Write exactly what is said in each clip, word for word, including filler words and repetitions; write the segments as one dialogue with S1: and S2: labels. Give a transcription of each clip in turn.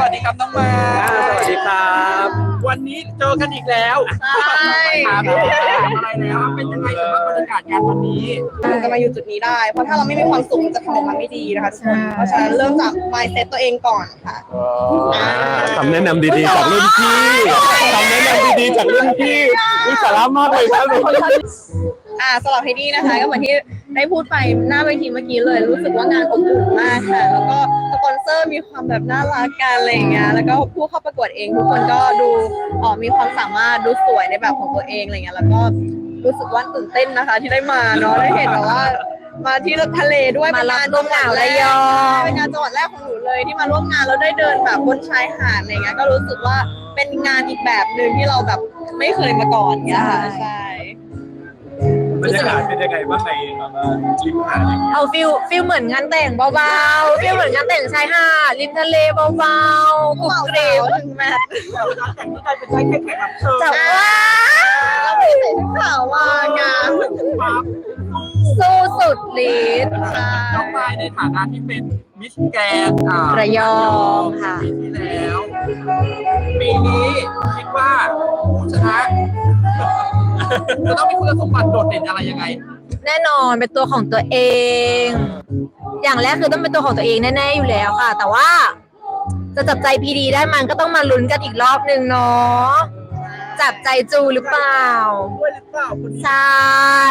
S1: วัสดีครับน้องมา
S2: สวัสดีครับ
S1: วันนี้เจอกันอีกแล้ว
S3: ใช่
S1: ถามอะไรแล้วเป็นยังไงสำหรับบรรยากาศงานวันนี้
S3: มันจะมาอยู่จุดนี้ได้เพราะถ้าเราไม่มีความสุขมันจะทำออกมาไม่ดีนะคะทุกคนเพราะฉะนั้นเริ่มจาก mindset ตัวเองก่อนค่ะ
S2: คำแนะนำดีๆจากรุ่นพี่คำแนะนำดีๆจากรุ่นพี่วิสาระมากเลยครับ
S3: อ่าสำหรับเฮดี้นะคะก็เหมือนที่ได้พูดไปหน้าเวทีเมื่อกี้เลยรู้สึกว่างานอบอุ่นมากค่ะแล้วก็สปอนเซอร์มีความแบบน่ารักกันอะไรอย่างเงี้ยแล้วก็ผู้เข้าประกวดเองทุกคนก็ดูอ๋อมีความสามารถดูสวยในแบบของตัวเองอะไรเงี้ยแล้วก็รู้สึกว่าตื่นเต้นนะคะที่ได้มาเนาะได้เห็นแบบว่ามาที่ทะเลด้วย
S4: มารับลมหนาวระยอง
S3: เป็นงานจังหวัดแรกของหนูเลยที่มาร่วมงานแล้วได้เดินแบบบนชายหาดอะไรเงี้ยก็รู้สึกว่าเป็นงานอีกแบบหนึ่งที่เราแบบไม่เคยมาก่อนเงี้ยค่ะใช่
S1: บรรยากาศเป็นยังไงบ้างในริมหาดอย่างเงี้ย
S4: เอาฟิลฟิลเหมือนงานแต่งเบาๆฟิลเหมือนงานแต่งชายหาดริมทะเลเบาๆกรุบกริบ
S3: ถึงแมท
S1: แต่งที่กลายเป็นได้แค่แขกรับเชิญ
S4: จับว่า
S3: เราไม่ได้ใส่ชุดขาวมางาน
S4: สู้สุดฤทธิ์
S1: น้องไม้ในฐานะที่เป็นมิสแกรนด์อ่า
S4: ระยองค่ะ
S1: ปีที่แล้วปีนี้คิดว่าผู้ชนะจะต้องมีคุณสมบัติโดดเด่นอะไรยังไง
S4: แน่นอนเป็นตัวของตัวเอง อย่างแรกคือต้องเป็นตัวของตัวเองแน่ๆอยู่แล้วค่ะ แต่ว่าจะจับใจพีดีได้มันก็ต้องมาลุ้นกันอีกรอบนึงเนาะจับใจจูหรือเปล่า
S1: ด้วยหรือเปล่าคนนี้
S4: ใช่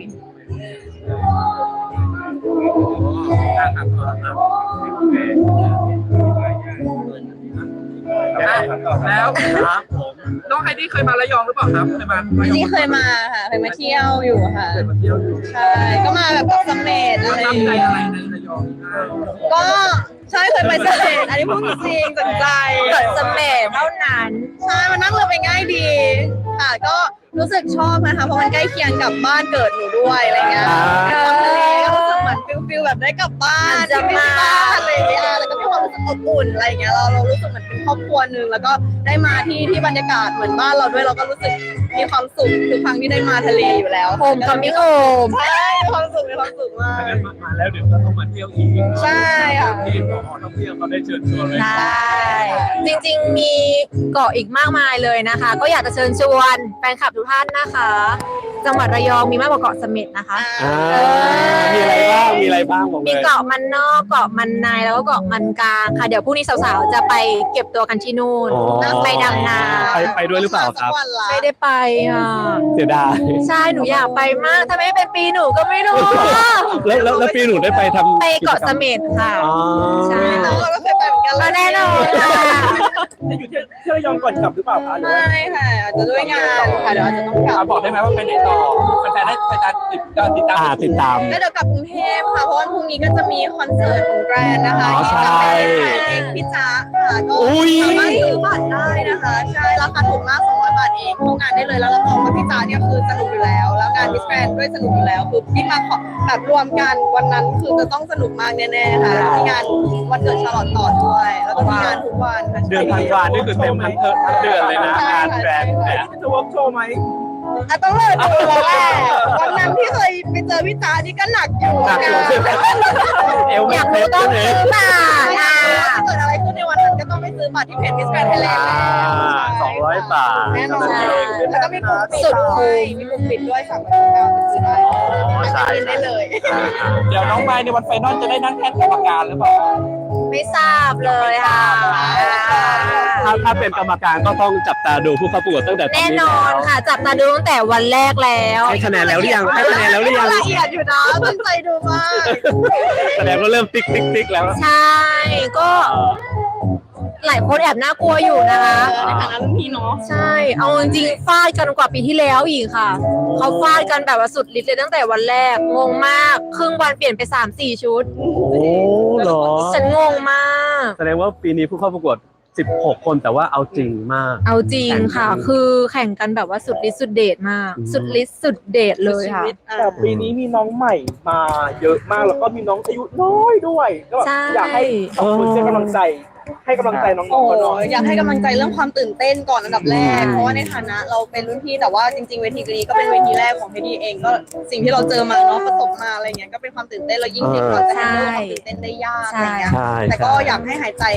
S1: แล้วครับผมน้องไฮดี้เคยมาระยองหรือเปล่าครับเคยมา
S3: นี่เคยมาค่ะเคยมาเที่ยวอยู่ค่ะ
S1: เคยมาเที่ยวอยู่
S3: ใช่ก็มาแบบเสม็ดอะไร
S1: ตั้งใจอะไรในระยอง
S3: ก็ใช่เคยไปเสม็ดอันนี้พูดจริงสนใจ
S4: เกิดเสม็ดเท่านั้น
S3: ใช่มานั่งเรือไปง่ายดีค่ะก็รู้สึกชอบนะคะเพราะมันใกล้เคียงกับบ้านเกิดหนูด้วยอะไรเงี้ยความทะเลก็รู้สึกเหมือนฟิลฟิลแบบได้กลับบ้านจะมาบ้านอะไรอย่างเงี้ยแล้วก็มีความรู้สึกอบอุ่นอะไรเงี้ยเราเรารู้สึกเหมือนเป็นครอบครัวนึงแล้วก็ได้มาที่ที่บรรยากาศเหมือนบ้านเราด้วยเราก็รู้สึกมีความสุขทุกครั้งที่ได้มาทะเลอยู่แล้ว
S4: โฮมคัมมิ่งโฮม
S3: ใช่มีความสุขมีความสุขมาก
S1: งั้นมาแล้วเดี๋ยวก็ต้องมาเที่ยวอีก
S3: ใช่ค่ะ
S1: ที่ขอท่องเที่ยวเขาได้เชิญชวนเลย
S4: ใช่จริงๆมีเกาะอีกมากมายเลยนะคะ ก็อยากจะเชิญชวนแฟนคลับทุกท่านนะคะ จังหวัดระยองมีมากกว่าเกาะเสม็ดนะคะ
S2: อ่ามีอะไรบ้างมีอะไรบ้างบอกเลย
S4: มีเกาะมันนอกเกาะมันในแล้วก็เกาะมันกลางค่ะเดี๋ยวพรุ่งนี้สาวๆจะไปเก็บตัวกันที่นู่นไปดำนา
S2: ไปไปด้วยหรือเปล่าครับ
S4: ไม่ได้ไปอ่ะ
S2: เสียดาย
S4: ใช่หนูอยากไปมากถ้าไม่เป็นปีหนูก็ไม่รู้
S2: แล้วแล้วแล้วปีหนูได้ไปทำ
S4: ไปเกาะเสม็ดค่ะ
S2: อ๋อ
S4: ใช่
S3: เราก็เคยไปเหมือนกัน
S4: ก็แน่นอนค่ะ
S1: จะอยู่ที่ที่ระยองก่อนกลับหรือเปล่าคะหรือว่า
S3: ไม่ค่ะอาจจะด้วยงานค่ะเดี๋ยวอาจจะต้องกลับ
S1: บอกได้ไหมว่าไปไหนต่อแฟนๆได้แฟนๆติดติดตาม
S2: อ่าติดตาม
S3: แล้วเดี๋ยวกลับกรุงเทพค่ะเพราะวันพรุ่งนี้ก็จะมีคอนเสิร์ตของแกรนนะคะ
S2: อ๋อ
S3: ที่
S2: ใช่
S3: จะเป็นเองพี่จ๊ะค่ะก็
S2: อุ้ย
S3: สามารถซื้อบัตรได้นะคะใช่ราคาถูกมากสองร้อยบาทเองเข้างานได้เลยแล้วรับรองว่าพี่จ๊ะเนี่ยคือสนุกอยู่แล้วแล้วงานมิสแกรนด้วยสนุกอยู่แล้วคือที่มาแบบรวมกันวันนั้นคือจะต้องสนุกมากแน่ๆค่ะแล้วมีงานวันเกิดชาลอตต่อด้วยแล้วก็มีงานทุกวันค่ะ
S1: เดือนธันวานี่คือเต็มทั้งเทอมทั้งเดือนเลยนะงานแฟนเนี่ยจะวอล์กโชว์ไหม
S3: อ่ะต้องเลยดูแล้วแหละวันนั้นที่เคยไปเจอพี่จ๊ะนี่ก็หนักอยู่
S2: หนักอยู่ใช่ไหม เอว
S4: อยากรู้ต้องซื้อบัตร
S3: ใช่
S4: ค่ะ
S3: ถ้าเกิดอะไรขึ้นในวันนั้นก็ต้องไปซื้อบัตรที่เพจมิสแกรนด์ไทยแลนด์
S2: สองร้อยบาท
S3: แน่นอนแล้วก็มีปุ่มปิดด้วยมีปุ่มปิดด้วยสามารถเข้าไปซื้อได้ใช่ได้เลย
S1: เดี๋ยวน้องไม้ในวันไฟนอลจะได้นั่งแท่นกรรมการหรือเปล่า
S4: ไม่ทราบเลยค่ะ
S2: ถ้าถ้าเป็นกรรมการก็ต้องจับตาดูผู้เข้าประกวดตั้งแต่ตอน
S4: แน่
S2: นี้
S4: นอนค่ะจับตาดูตั้งแต่วันแรกแล้ว
S2: ให้คะแนนแล้วหรือยังให้คะแนนแล้วหรือยัง
S3: ละเอียดอยู่นะตั้งใจดูมาก
S2: แสดงว่าเริ่มติ๊กติ๊กติ๊กแล้ว
S4: ใช่ก็หลายคนแอบน่ากลัวอยู่นะคะ
S3: ในฐานะรุ่นพี่เนาะ
S4: ใช่เอาจริงๆฟาดกันกว่าปีที่แล้วอีกค่ะเขาฟาดกันแบบว่าสุดฤทธิ์เลยตั้งแต่วันแรกงงมากครึ่งวันเปลี่ยนไปสามสี่ชุด
S2: โอ้เหรอ
S4: ฉันงงมาก
S2: แสดงว่าปีนี้ผู้เข้าประกวดสิบหกคนแต่ว่าเอาจริงมาก
S4: เอาจริงค่ะ คือแข่งกันแบบว่าสุดฤทธิ์สุดเดชมาก
S2: อืม
S4: สุดฤทธิ์สุดเดชเลยค่ะ
S5: แต่ปีนี้มีน้องใหม่มาเยอะมากแล้วก็มีน้องอายุน้อยด้วยก็แบบ
S4: ใช่
S5: อยากให้ขอบคุณเช่นกำลังใจ ให้กำลังใจน้อง
S3: โอ้
S5: ๆกันหน่อย
S3: อยากให้กำลังใจเรื่องความตื่นเต้นก่อนอันดับแรก
S2: อืม
S3: เพราะว่าในฐานะเราเป็นรุ่นพี่แต่ว่าจริงๆเวทีนี้ก็เป็นเวทีแรกของพี่ดีเองก็สิ่งที่เราเจอมาเนาะประสบมาอะไรเงี้ยก็เป็นความตื่นเต้นแล้วยิ่งเด็กเราจะแฮนเดิลความตื่นเต้นได้ยากอะไรเงี้ย
S2: ใช่
S3: แต่ก็
S2: ใช่
S3: อยากให้หายใจ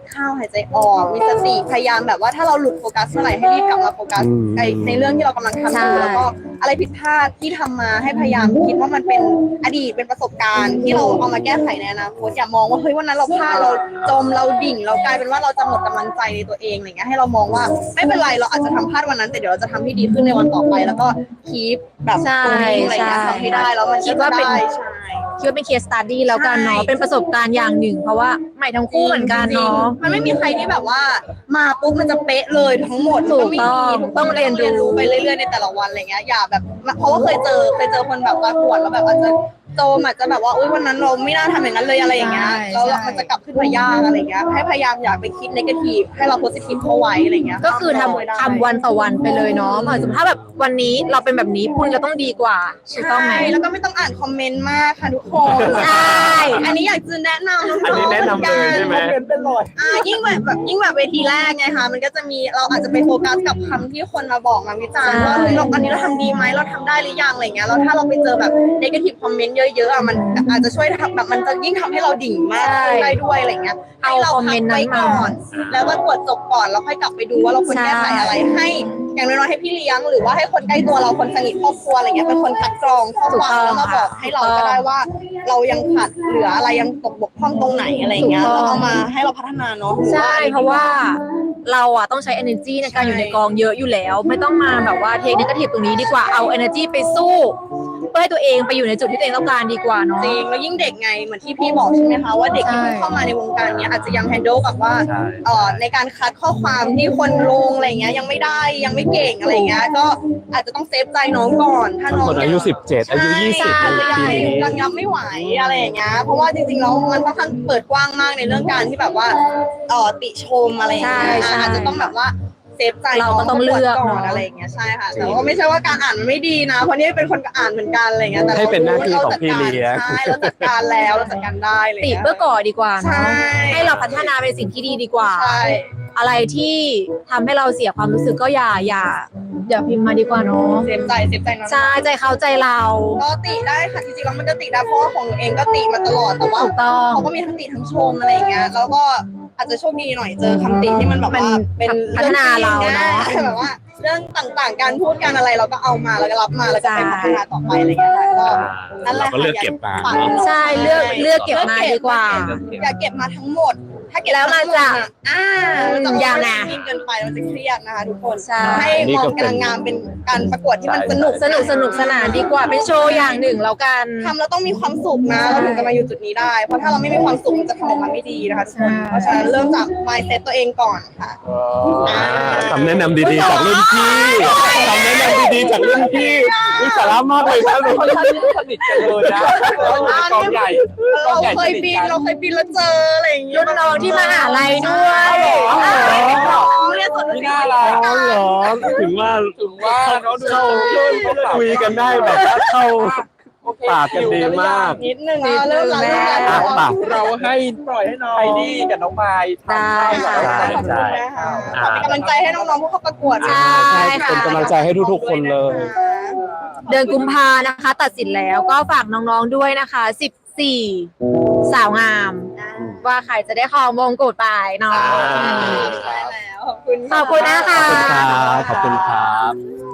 S3: เข้าหายใจออกมีสติพยายามแบบว่าถ้าเราหลุดโฟกัสเมื่อไหร่ให้รีบกลับมาโฟกัส
S2: อืม
S3: ในในเรื่องที่เรากำลังทำอยู่แล้วก็อะไรผิดพลาดที่ทำมาให้พยายามคิดว่ามันเป็นอดีตเป็นประสบการณ์ที่เราเอามาแก้ไขในอนาคตอย่ามองว่าเฮ้ยวันนั้นเราพลาดเราจมเราดิ่งเรากลายเป็นว่าเราจะหมดกำลังใจในตัวเองอะไรเงี้ยให้เรามองว่าไม่เป็นไรเราอาจจะทำพลาดวันนั้นแต่เดี๋ยวเราจะทำให้ดีขึ้นในวันต่อไป แล้วก็คีปแบบ
S4: ใช่
S3: ตรงนี้อะไรเงี้ย
S4: ใช่
S3: ทำให้ได้แล้วมัน
S4: คิดว่าเป็น
S3: ได้ใช่
S4: คิดว่าเป็นเคสสตัดดี้แล้วกันเนาะ
S3: ใช่
S4: เป็นประสบการณ์อย่างหนึ่ง เพราะว่าใหม่ทั้งคู่เหมือนกันเนาะ
S3: มันไม่มีใครที่แบบว่ามาปุ๊บมันจะเป๊ะเลยทั้งหมด
S4: ถูก
S3: มัน
S4: ต้อง
S3: ไม่มี
S4: ต้องเรียนรู้
S3: ไปเรื่อยๆในแต่ละวันอะไรเงี้ยอย่าแบบเพราะว่าเคยเจอเคยเจอคนแบบประกวดแล้วแบบอาจจะโจมอาจจะแบบว่าอุ้ยวันนั้นเราไม่น่าทำอย่างนั้นเลยอะไรอย่างเงี้ยแล้วมันจะกลับขึ้นมายากอะไรเงี้ยให้พยายามอย่าไปคิดนกาทีฟให้เราโพสิทีฟเข้าไว้อะไรเงี้ย
S4: ก็คือทำ
S3: ไว้ได้
S4: ทำวันต่อวันไปเลยเนาะเหมือนสมมติถ้าแบบวันนี้เราเป็นแบบนี้พรุ่งนี้ก็ต้องดีกว่าถูกต้องไหม
S3: ใช่แล้วก็ไม่ต้องอ่านคอมเมนต์มากค่ะทุกคน
S4: ใช่
S3: อันนี้อยากจะแนะนำน้องๆ
S2: อันนี้แนะนำเลยใช่ไหม
S5: คอมเมนต์เป็นรอย
S3: อ่ายิ่งแบบแบบยิ่งแบบเวทีแรกไงคะมันก็จะมีเราอาจจะไปโฟกัสกับคำที่คนมาบอกมาวิจารณ์ว่าเฮ้ยเราอันนี้เราทำดีไหมเราทำได้หรือยังอะไรเงี้ยแล้วถ้าเราไปเจอแบบนกาทีฟคอมเมนต์เยอะๆอ่ะมันอาจจะช่วยทำแบบมันจะยิ่งทำให้เราดิ่งมากขึ้นได้ด้วยอะไรเงี้ยให้เราพักไว้ก่อน แล้วก็ตรวจจบก่อนแล้วค่อยกลับไปดูว่าเราควรแก้ไขอะไรให้ อย่างน้อยๆให้พี่เลี้ยงหรือว่าให้คนใกล้ตัวเราคนสนิทครอบครัวอะไรเงี้ยเป็นคนคัดกรองข้อความแล้วมาบอกให้เราก็ได้ว่า เรายังขาดเหลืออะไรยังตกบกพร่องตรงไหนอะไรเงี้ยแล้วเอามาให้เราพัฒนาเนาะ
S4: ใช่เพราะว่าเราอะต้องใช้ energy ในการอยู่ในกองเยอะอยู่แล้ว ไม่ต้องมาแบบว่าเทคนิคทีฟตรงนี้ดีกว่าเอา energy ไปสู้เพื่อให้ตัวเองไปอยู่ในจุดที่ตัวเองต้องการดีกว่าเนาะ
S3: จริงแล้วยิ่งเด็กไงเหมือนที่พี่บอกใช่ไหมคะว่าเด็กที่เพิ่งเข้ามาในวงการเนี้ยอาจจะยังแฮนด์ลกับว่า
S2: ใช่
S3: เอ่อในการคัดข้อความที่คนลงอะไรเงี้ยยังไม่ได้ยังไม่เก่งอะไรเงี้ยก็อาจจะต้องเซฟใจน้องก่อนถ้าน้อง
S2: คนอายุสิบเจ็ดอายุยี่สิบ
S3: ใช่
S2: ใน
S3: อาจจะ
S2: ปี
S3: ยัง
S2: นี้
S3: ยังยับไม่ไหวอะไรอย่างเงี้ยเพราะว่าจริงๆแล้วมันค่อนข้างเปิดกว้างมากในเรื่องการที่แบบว่าเอ่อติชมอะไรอย่างเงี้ย
S4: ใช่ใช่
S3: อาจจะต้องแบบว่าเซฟใจ
S4: เราก็ต้องเลือก
S3: ก่อนอะไรอย่างเงี้ยใช่ค่ะแต่ว่าไม่ใช่ว่าการอ่านมันไม่ดีนะเพราะนี่เป็นคนอ่านเหมือนกันอะไรเงี้ยแต่
S2: ให้เป็นหน้าที่ของพี่เลี้ยง
S3: ใช่เราจัดการแล้วเราจัดการได้เลย
S4: ติเพื่อก่อดีกว่า
S3: ใช่
S4: เนาะให้เราพัฒนาเป็นสิ่งที่ดีดีกว่า
S3: ใช่
S4: อะไรที่ทำให้เราเสียความรู้สึกก็อย่าอย่าอย่าพิมพ์มาดีกว่าเนาะ
S3: เซฟใจเซฟใจน้อง
S4: ใช่ใจเขาใจเรา
S3: ก็ติได้ค่ะจริงๆแล้วมันก็ติได้เพราะว่าของหนูเองก็ติมาตลอดแต่ว่า
S4: ถูกต้อง
S3: เขาก็มีทั้งติทั้งชมอะไรอย่างเงี้ยแล้วก็อาจจะโชคดีหน่อยเจอคำติที่มันแบบว่าเป็น
S4: พัฒนาเราเนอะ
S3: แบบว่าเรื่องต่างๆ การพูดการอะไรเราก็เอามาแล้วก็รับมาแล้วก็ไปพัฒนาต่อไปอะไรอย่างเงี้ยค่ะก็นั่นแหละ
S2: เราก็เลือกเก็บมา
S3: ฝ
S2: เนอะ
S4: ใช่เลือกเลือกเก็บมาดีกว่า
S3: อย่าเก็บมาทั้งหมด ถ้าเก็บ
S4: แล้วมันจะ
S3: อ่ามันจะ
S4: อย่างน่ะ
S3: ยิ่งเกินไปมันจะเครียดนะคะทุกคน
S4: ใช่
S3: ให้มองการงานเป็นการประกวดที่มันสนุก
S4: สนุกสนุกสนานดีกว่าเป็นโชว์อย่างหนึ่งแล้วกัน
S3: ทำแล้วต้องมีความสุขนะเราถึงจะมาอยู่จุดนี้ได้ เพราะถ้าเราไม่มีความสุขมันจะทำออกมาไม่ดีนะคะทุกคนเพราะฉะนั้นเริ่มจาก mindset ตัวเองก่อนค่ะ
S2: อ่าคำแนะนำดีๆจากรุ่นพี่คำแนะนำดีๆจากรุ่นพี่วิสาระมากเลยครับ
S5: ค่อนข้างสนิทกันเลยนะเราอยู่ในกองใหญ่กองใหญ่
S3: เราเค
S5: ส
S3: ย
S5: นิท
S3: บิน
S5: กัน
S3: เราเคยบินแล้วเจออะไรอย่างเงี้ย
S4: รุ่นน้องที่มหาลัยด้วย
S3: อ่าน้องเรียนสด
S5: ไม่น่ารัก
S2: อ๋อเหรอถึงว่า
S5: ถึงว่าเขาดู
S2: เข้าคุยกันได้แบบว่าเข้าปากกันดีมาก
S3: นิดนึงเริ่มแล้วเริ่มแล้ว
S2: อ่ะปาก
S5: เราให้ปล่อยให้น้องไฮดี้กับน้องไมค์ทำให้แบบ
S2: ได้
S3: ขอบคุณนะคะขอเป็นกำลังใจให้น้องๆผู้เข้าประกวด
S4: ใช่
S2: ใช่เป็นกำลังใจให้ทุกๆคนเลย
S4: เดือนกุมภานะคะ ตัดสินแล้วก็ฝากน้องๆด้วยนะคะสิบสี่สาวงาม ว่าใครจะได้ครองมงกุฎไปเนาะ
S3: ใช่แล้วขอบคุณ
S4: ขอบคุณนะคะ
S2: ขอบคุณครับ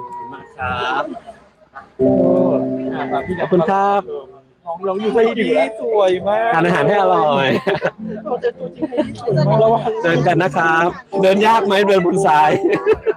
S2: ขอบคุณครับ
S5: น้องร้องอยู่ไฮดี้สวยมาก
S2: ทานอาหารให้อร่อย
S5: เราจะตัวจริงไฮดี้สวยมากแล้วว่า
S2: เดินกันนะครับ เดินยากไหมเดินบนทราย